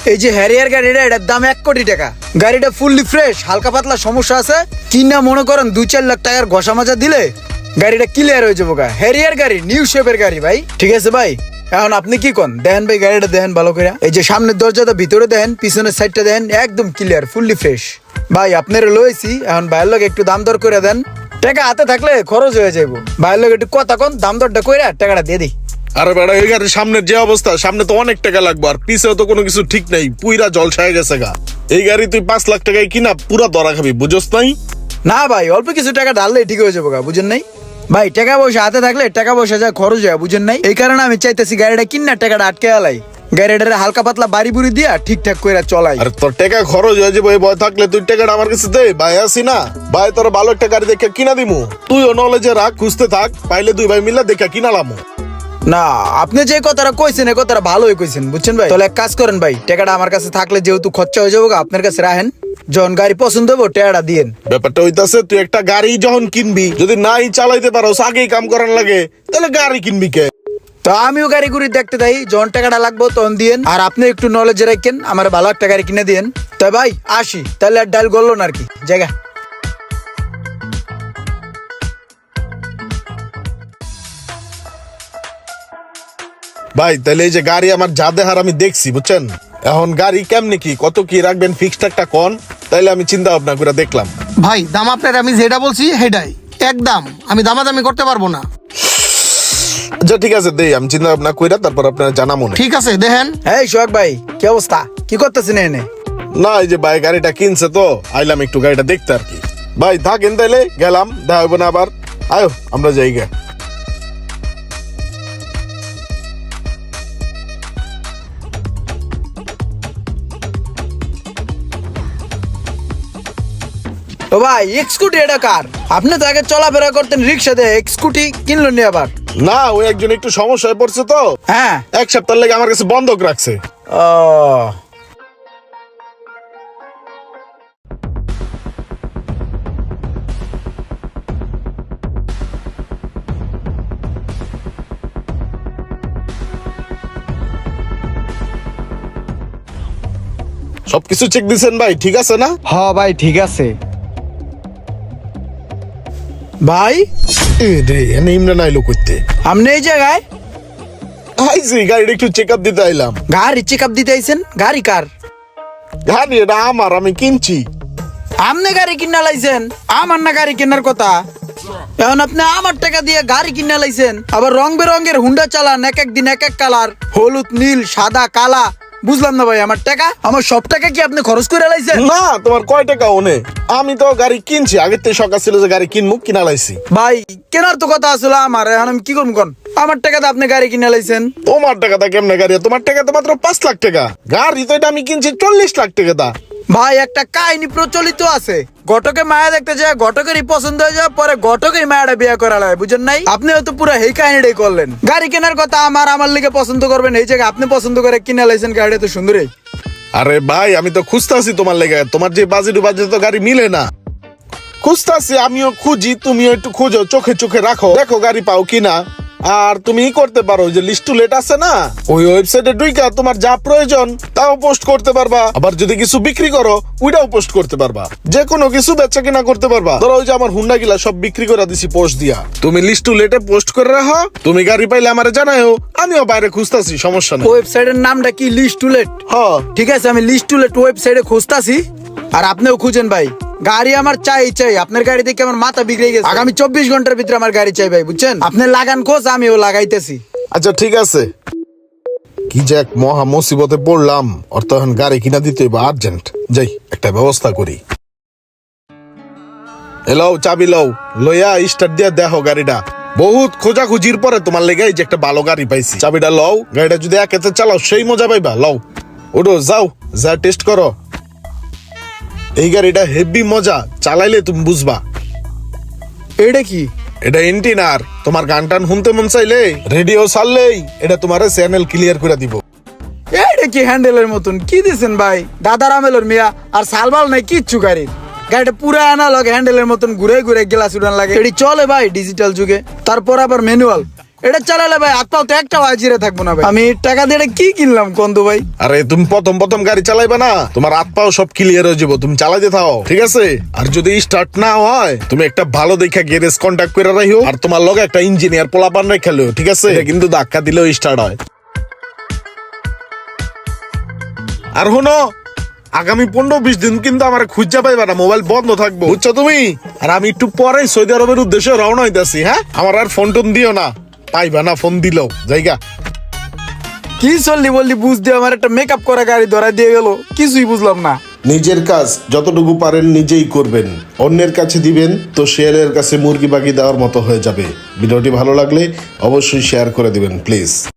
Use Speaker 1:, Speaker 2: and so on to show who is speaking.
Speaker 1: এই যে হ্যারিয়ার গাড়িটা, এটার দাম 1 কোটি টাকা। গাড়িটা ফুললি ফ্রেশ, হালকা পাতলা সমস্যা আছে কিনা মনে করেন 2-4 লাখ টাকার ঘষা মাজা দিলে গাড়িটা ক্লিয়ার হয়ে যাবো। হ্যারিয়ার গাড়ি, নিউ শেপের গাড়ি ভাই। ঠিক আছে ভাই, এখন আপনি কি কন? দেখেন ভাই গাড়িটা দেখেন ভালো করে। এই যে সামনের দরজাটা ভিতরে দেখেন, পিছনের সাইডটা দেখেন, একদম ক্লিয়ার, ফুললি ফ্রেশ। ভাই আপনারা লইছি, এখন ভাইয়ের লোক একটু দাম দর করে দেন। টাকা হাতে থাকলে খরচ হয়ে যাবো। ভাইয়ের লোক একটু কথা কন, দাম দরটা কইরা টাকাটা দিয়ে দিই।
Speaker 2: আরে বেড়া, এই গাড়ির সামনের যে অবস্থা, সামনে তো অনেক টাকা লাগবে, আর পিছেও তো কোনো কিছু ঠিক নাই, পুইরা জলছায় গেছে গা। এই গাড়ি তুই 5 লাখ টাকায় কিনা পুরা ধরা খাবি, বুঝোস নাই?
Speaker 1: না ভাই, অল্প কিছু টাকা ঢাললেই ঠিক হয়ে যাবো গা, বুঝেন নাই? ভাই টাকা পয়সা হাতে থাকলে টাকা পয়সা যা খরচ হয়, বুঝেন নাই? এই কারণে আমি চাইতেছি গাড়িটা কিনা টাকাটা আটকে আলাই, গাড়িটারে হালকা পাতলা বাড়ি বুড়ি দিয়া ঠিকঠাক করে চলাই।
Speaker 2: আর তোর টাকা খরচ হয়ে যাবে, এই ভয় থাকলে তুই টাকাটা আমার কাছে দে, ভাই আসি না ভাই, তোর ভালো একটা গাড়ি দেখে কিনা দিমু। তুইও নলেজে রাখ, খুঁজতে থাক, পাইলে 2 ভাই মিলে দেখে কিনালামু।
Speaker 1: না, আপনি যে কথাটা কইছেন এই কথাটা ভালোই কইছেন, বুঝছেন ভাই? তাহলে এক কাজ করেন ভাই, টাকাটা আমার কাছে থাকলে যেহেতু খরচা হয়ে যাবো, আপনার কাছে রাখেন। যখন গাড়ি পছন্দ হবো টাকাটা দিয়েন।
Speaker 2: ব্যাপারটা হইতাছে, তুই একটা গাড়ি যখন কিনবি, যদি নাই চালাইতে পারো, আগেই কাম করার লাগে, তাহলে গাড়ি কিনবি কে?
Speaker 1: তো আমিও গাড়ি ঘুরি দেখতে যাই, যখন টাকাটা লাগবো তখন দিয়েন। আর আপনি একটু নলেজ রাখেন, আমার ভালো একটা গাড়ি কিনে দিয়েন। তাই ভাই আসি, তাহলে আর ডাল গড়লো না আর কি জায়গা।
Speaker 2: ভাই তাহলে এই যে গাড়ি আমার যা দেহার আমি দেখছি, বুঝছেন? এখন গাড়ি কেমনি কি, কত কি রাখবেন, ফিক্সড একটা কোন, তাইলে আমি চিন্তা ভাবনা করে দেখলাম।
Speaker 3: ভাই দাম আপনার আমি যেটা বলছি সেটাই একদম, আমি দামাদামি করতে পারবো না।
Speaker 2: আচ্ছা ঠিক আছে, দেই, আমি চিন্তা ভাবনা কইরা তারপর আপনার জানা মনে।
Speaker 3: ঠিক আছে দেখেন।
Speaker 1: এই সোহাগ ভাই, কি অবস্থা? কি করতেছেন এনে?
Speaker 2: না, এই যে ভাই গাড়িটা কিনছে তো আইলাম একটু গাড়িটা দেখতে আর কি। ভাই থাকেন তাইলে, গেলাম, দেখা হইব না আবার। আয়ো আমরা যাই গে।
Speaker 1: ও ভাই, স্কুটি এটা কার? আপনি তো আগে চলাফেরা করতেন রিক্সা দিয়ে, স্কুটি কিনলো নি আবার?
Speaker 2: না, ওই একজন একটু সমস্যায় পড়ছে তো,
Speaker 1: হ্যাঁ।
Speaker 2: 1 সপ্তাহ লেগে আমার কাছে বন্ধক রাখছে।
Speaker 1: ও
Speaker 2: সবকিছু চেক দিছেন ভাই, ঠিক আছে না?
Speaker 1: হ ভাই ঠিক আছে। ভাই
Speaker 2: এ রে, এনে ইমরান আইলো করতে।
Speaker 1: আপনি এই জায়গায়?
Speaker 2: আইছি গাড়িটা একটু চেক আপ দিতে আইলাম।
Speaker 1: গাড়ি চেক আপ দিতে আইছেন? গাড়ি কার?
Speaker 2: গাড়ি এটা আমার, আমি কিনছি।
Speaker 1: আপনি গাড়ি কিনা লাইছেন? আমার না গাড়ি কেনার কথা। এখন আপনি আমার টাকা দিয়ে গাড়ি কিনা লাইছেন, আবার রং বেরঙের হুন্ডা চালান, এক এক দিন এক এক কালার, হলুদ, নীল, সাদা, কালা। বুঝলাম না ভাই, আমার টাকা, আমার সব টাকা কি আপনি খরচ করে লাইছেন?
Speaker 2: না, তোমার কয় টাকা ওনে? আমি তো গাড়ি কিনছি, আগের থেকে শখ ছিল যে গাড়ি কিনবো, কিনা লাইছি।
Speaker 1: ভাই কেনার তো কথা আসলে আমার, এখন আমি কি করবো কোন? আমার টাকাতে আপনি গাড়ি কিনে লাইছেন।
Speaker 2: তোমার টাকাটা কেমনে গাড়ি? তোমার টাকা তো মাত্র 5 লাখ টাকা। গাড়ি তো এটা আমি কিনছি 40 লাখ টাকা দা।
Speaker 1: ভাই একটা কাহিনী প্রচলিত আছে, ঘটকে মায়া দেখতে যায়, ঘটকেরই পছন্দ হয়ে যায়, পরে ঘটকেই মায়াটা বিয়ে করা লাগে, বুঝেন নাই? আপনি হয়তো পুরো এই কাহিনীটাই করলেন। গাড়ি কেনার কথা আমার লিগে পছন্দ করবেন, এই জায়গায় আপনি পছন্দ করে কিনে লাইছেন গাড়িটা তো সুন্দরই।
Speaker 2: আরে ভাই, আমি তো খুঁজতাছি তোমার লেগে, তোমার যে বাজেট তো গাড়ি মিলে না। খুঁজতাছি, আমিও খুঁজি, তুমিও একটু খুঁজো, চোখে চোখে রাখো, দেখো গাড়ি পাও কিনা। আর তুমি করতে পারো, যে লিস্ট টু লেট আছে না, ওই ওয়েবসাইটে ঢুইকা তোমার যা প্রয়োজন তাও পোস্ট করতে পারবা। আবার যদি কিছু বিক্রি করো ওইটাও পোস্ট করতে পারবা, যে কোনো কিছু বেচা কিনা করতে পারবা। ধরো ওই যে আমার হুন্ডা গিলা সব বিক্রি করে দিছি পোস্ট দিয়া, তুমি লিস্ট টু লেটে পোস্ট করে রাখো, তুমি গাড়ি পাইলে আমারে জানাও, আমিও বাইরে খুঁজতাছি, সমস্যা নেই।
Speaker 1: ওয়েবসাইটের নামটা কি? List to let?
Speaker 2: হ্যাঁ
Speaker 1: ঠিক আছে, আমি লিস্ট টু লেট ওয়েবসাইটে খুঁজতাছি, আর আপনিও খুঁজেন ভাই। গাড়ি আমার চাই, আপনার গাড়ি দেখে আমার মাথা বিগড়ে গেছে। আগামী 24 ঘন্টার ভিতরে আমার গাড়ি চাই ভাই, বুঝছেন? আপনি লাগান খোঁজ, আমিও লাগাইতেছি।
Speaker 2: আচ্ছা ঠিক আছে। কি যে এক মহা মুসিবতে পড়লাম, ওর তো এখন গাড়ি কিনা দিতে হইব আর্জেন্ট। যাই একটা ব্যবস্থা করি। এলাও চাবি লও, লইয়া স্টার্ট দিয়া দেখো গাড়িটা। বহুত খোঁজাখুঁজির পরে তোমার লেগে এই যে একটা ভালো গাড়ি পাইছি। চাবিটা লও, গাড়িটা যদি একেতে চালাও সেই মজা পাইবা। লও, ওঠো, যাও, যা টেস্ট করো। এই গাড়িটা হেভি মজা, চালাইলে তুমি বুঝবা।
Speaker 1: এটা কি?
Speaker 2: এটা এন্টিনার, তোমার গান টান শুনতে মন চাইলে রেডিও ছাড়লেই এটা তোমার চ্যানেল ক্লিয়ার করে দিব।
Speaker 1: এটা কি হ্যান্ডেলের মতন কি দিছেন ভাই? দাদার আমেলের মিয়া, আর সালবাল নাই কিচ্ছু গাড়ির। গাড়িটা পুরো অ্যানালগ, হ্যান্ডেলের মতন ঘুরে ঘুরে গ্লাস উড়ান লাগে। এটি চলে ভাই ডিজিটাল যুগে, তারপর আবার ম্যানুয়াল। এটা চালালে ভাই হাত পাও তো একটা হাজিরে থাকবো না ভাই। আমি টাকা দিয়ে এটা কি কিনলাম কন্দু ভাই?
Speaker 2: আরে তুমি প্রথম গাড়ি চালাইবে না, তোমার হাত পাও সব ক্লিয়ার হয়ে যাবো, তুমি চালাইতে থাও, ঠিক আছে? আর যদি স্টার্ট না হয় তুমি একটা ভালো দেখা গ্যারেজ কন্ট্যাক্ট করে রাখিও, আর তোমার লগে একটা ইঞ্জিনিয়ার পোলাপান রেখেলো, ঠিক আছে? এটা কিন্তু ধাক্কা দিলেও স্টার্ট হয়। আর শোনো, আগামী 15-20 দিন কিন্তু আমার খুঁজা পাইবা না, মোবাইল বন্ধ থাকবো, বুঝছো তুমি? আর আমি একটু পরে সৌদি আরবের উদ্দেশ্যে রওনা হইতাছি। হ্যাঁ, আমার আর ফোন টোন দিও না, পাইবা না ফোন দিলেও জায়গা।
Speaker 1: কি চললি বললি বুঝ দিয়ে আমার একটা মেকআপ করা গাড়ি ধরা দিয়ে গেল, কিছুই বুঝলাম না।
Speaker 4: নিজের কাজ যতটুকু পারেন নিজেই করবেন, অন্যের কাছে দিবেন তো শেয়ারের কাছে মুরগি বাগি দেওয়ার মতো হয়ে যাবে। ভিডিওটি ভালো লাগলে অবশ্যই শেয়ার করে দিবেন প্লিজ।